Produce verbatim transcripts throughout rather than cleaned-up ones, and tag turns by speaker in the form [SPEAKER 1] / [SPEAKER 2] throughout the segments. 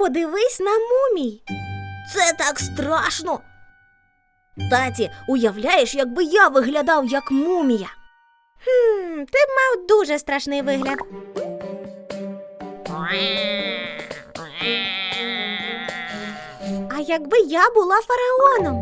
[SPEAKER 1] Подивись на мумій.
[SPEAKER 2] Це так страшно. Таті, уявляєш, якби я виглядав як мумія?
[SPEAKER 1] Хм, ти б мав дуже страшний вигляд. А якби я була фараоном?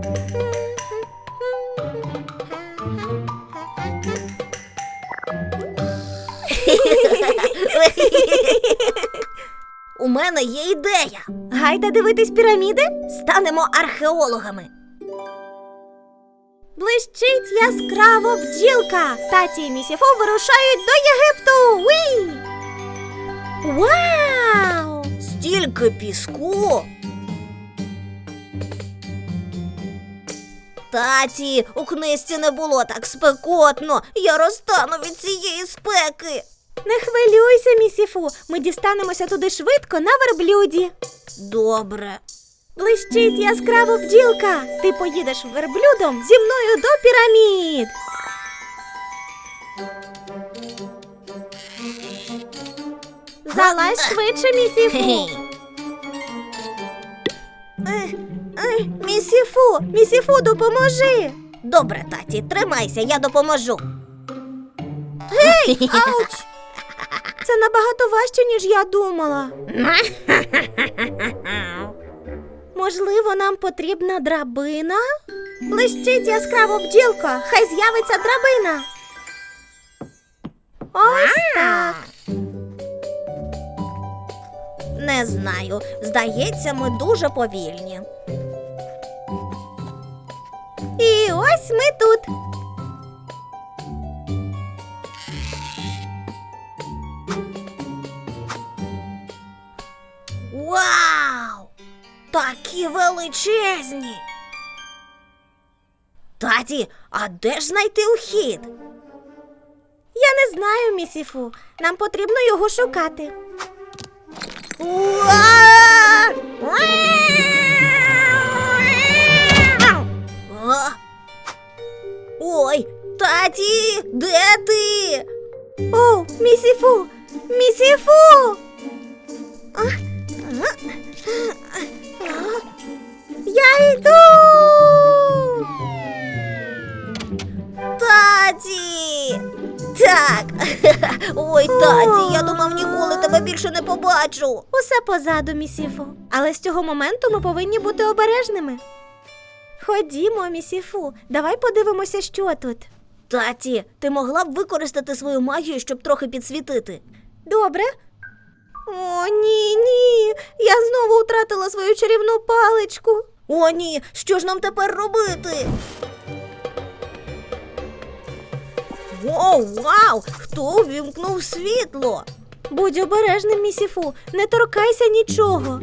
[SPEAKER 2] У мене є ідея.
[SPEAKER 1] Гайда дивитись піраміди?
[SPEAKER 2] Станемо археологами.
[SPEAKER 1] Блищить яскраво бджілка. Таті і Місіфу вирушають до Єгипту. Уй! Вау!
[SPEAKER 2] Стільки піску. Таті, у книжці не було так спекотно. Я розтану від цієї спеки.
[SPEAKER 1] Не хвилюйся, Місіфу. Ми дістанемося туди швидко на верблюді.
[SPEAKER 2] Добре.
[SPEAKER 1] Блищить яскраво бджілка. Ти поїдеш верблюдом зі мною до пірамід. Залазь швидше, Місіфу.
[SPEAKER 2] Ех,
[SPEAKER 1] Ех, Місіфу, Місіфу, допоможи.
[SPEAKER 2] Добре, таті, тримайся, я допоможу.
[SPEAKER 1] Гей, ауч! Це набагато важче, ніж я думала. Можливо, нам потрібна драбина? Блищить яскраво бджілка, хай з'явиться драбина. Ось так.
[SPEAKER 2] Не знаю, здається, ми дуже повільні.
[SPEAKER 1] І ось ми тут.
[SPEAKER 2] Вау! Такі величезні! Таті, а де ж знайти ухід?
[SPEAKER 1] Я не знаю, Місіфу. Нам потрібно його шукати.
[SPEAKER 2] Уа! А? Ой, таті, де ти?
[SPEAKER 1] О, Місіфу! Місіфу! А? А? А? Я йду!
[SPEAKER 2] Таті! Так. Ой, таті, я думав, ніколи тебе більше не побачу.
[SPEAKER 1] Усе позаду, Місіфу. Але з цього моменту ми повинні бути обережними. Ходімо, Місіфу, давай подивимося, що тут.
[SPEAKER 2] Таті, ти могла б використати свою магію, щоб трохи підсвітити?
[SPEAKER 1] Добре? О, ні, ні. Я знову втратила свою чарівну паличку.
[SPEAKER 2] О, ні, що ж нам тепер робити? О, вау! Хто увімкнув світло?
[SPEAKER 1] Будь обережним, Місіфу, не торкайся нічого.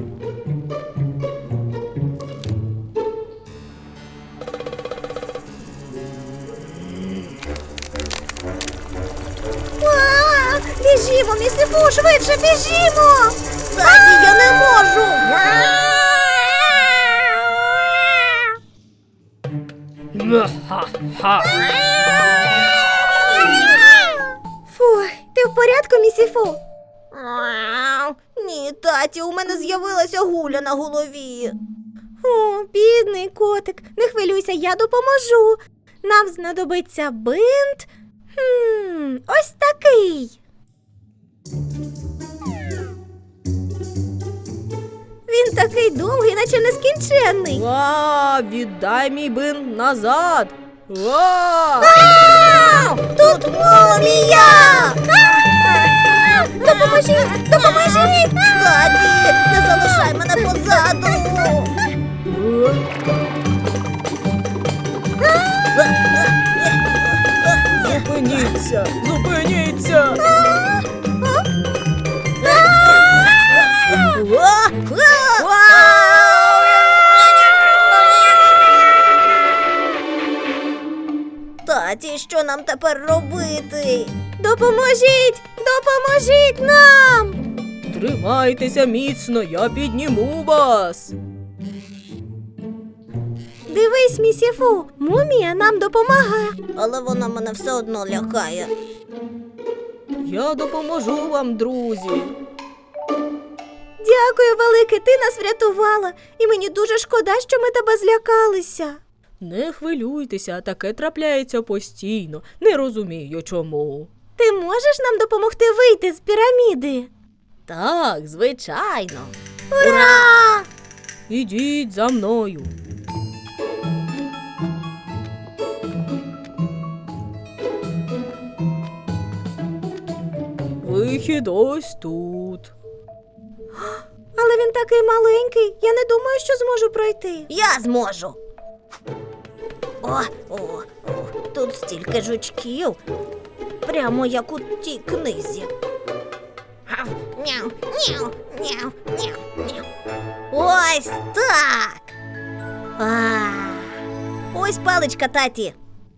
[SPEAKER 1] А, біжімо, Місіфу, швидше біжімо!
[SPEAKER 2] Таті, я не можу!
[SPEAKER 1] Фух, ти в порядку, Місіфу?
[SPEAKER 2] Ні, таті, у мене з'явилася гуля на голові.
[SPEAKER 1] О, бідний котик, не хвилюйся, я допоможу. Нам знадобиться бинт. Хм, ось такий. Він такий довгий, наче нескінченний.
[SPEAKER 2] Ва, віддай мій бинт назад. Ва!
[SPEAKER 1] Ау! Тут мумія! Допоможіть! Допоможіть!
[SPEAKER 2] Таті, не залишай мене позаду. Зупиніться! Зупиніться! Таті, що нам тепер робити?
[SPEAKER 1] Допоможіть! Допоможіть нам!
[SPEAKER 2] Тримайтеся міцно, я підніму вас.
[SPEAKER 1] Дивись, Місіфу, мумія нам допомагає.
[SPEAKER 2] Але вона мене все одно лякає. Я допоможу вам, друзі.
[SPEAKER 1] Дякую, велике, ти нас врятувала. І мені дуже шкода, що ми тебе злякалися.
[SPEAKER 3] Не хвилюйтеся, таке трапляється постійно. Не розумію чому.
[SPEAKER 1] Ти можеш нам допомогти вийти з піраміди?
[SPEAKER 2] Так, звичайно.
[SPEAKER 1] Ура!
[SPEAKER 3] Ідіть за мною. Вихід ось тут.
[SPEAKER 1] Але він такий маленький, я не думаю, що зможу пройти.
[SPEAKER 2] Я зможу. О, о, о, тут стільки жучків. Прямо як у тій книзі. Гав, Няу, няу, няу, няу, няу. Ось так. А, ось паличка, таті.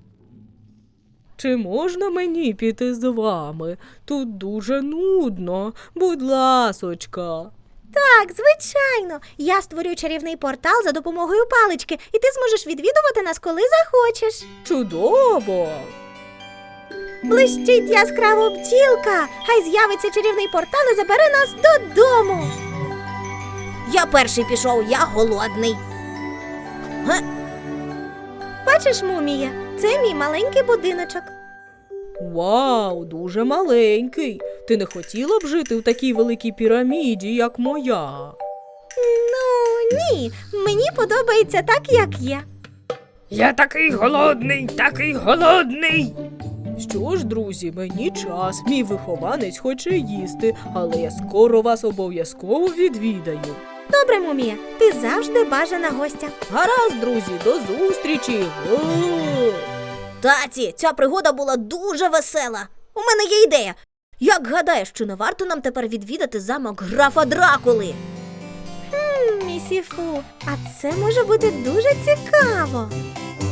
[SPEAKER 3] Чи можна мені піти з вами? Тут дуже нудно. Будь ласочка.
[SPEAKER 1] Так, звичайно. Я створю чарівний портал за допомогою палички, і ти зможеш відвідувати нас, коли захочеш.
[SPEAKER 3] Чудово!
[SPEAKER 1] Блищить яскраво бджілка. Хай з'явиться чарівний портал і забере нас додому.
[SPEAKER 2] Я перший пішов, я голодний. Ге,
[SPEAKER 1] Бачиш, мумія, це мій маленький будиночок.
[SPEAKER 3] Вау, дуже маленький. Ти не хотіла б жити в такій великій піраміді, як моя?
[SPEAKER 1] Ну, ні, мені подобається так, як є.
[SPEAKER 4] Я такий голодний, такий голодний.
[SPEAKER 3] Що ж, друзі, мені час. Мій вихованець хоче їсти, але я скоро вас обов'язково відвідаю.
[SPEAKER 1] Добре, мумія, ти завжди бажана гостя.
[SPEAKER 3] Гаразд, друзі, до зустрічі! О!
[SPEAKER 2] таті, ця пригода була дуже весела. У мене є ідея. Як гадаєш, чи не варто нам тепер відвідати замок графа Дракули?
[SPEAKER 1] М, Місіфу, а це може бути дуже цікаво.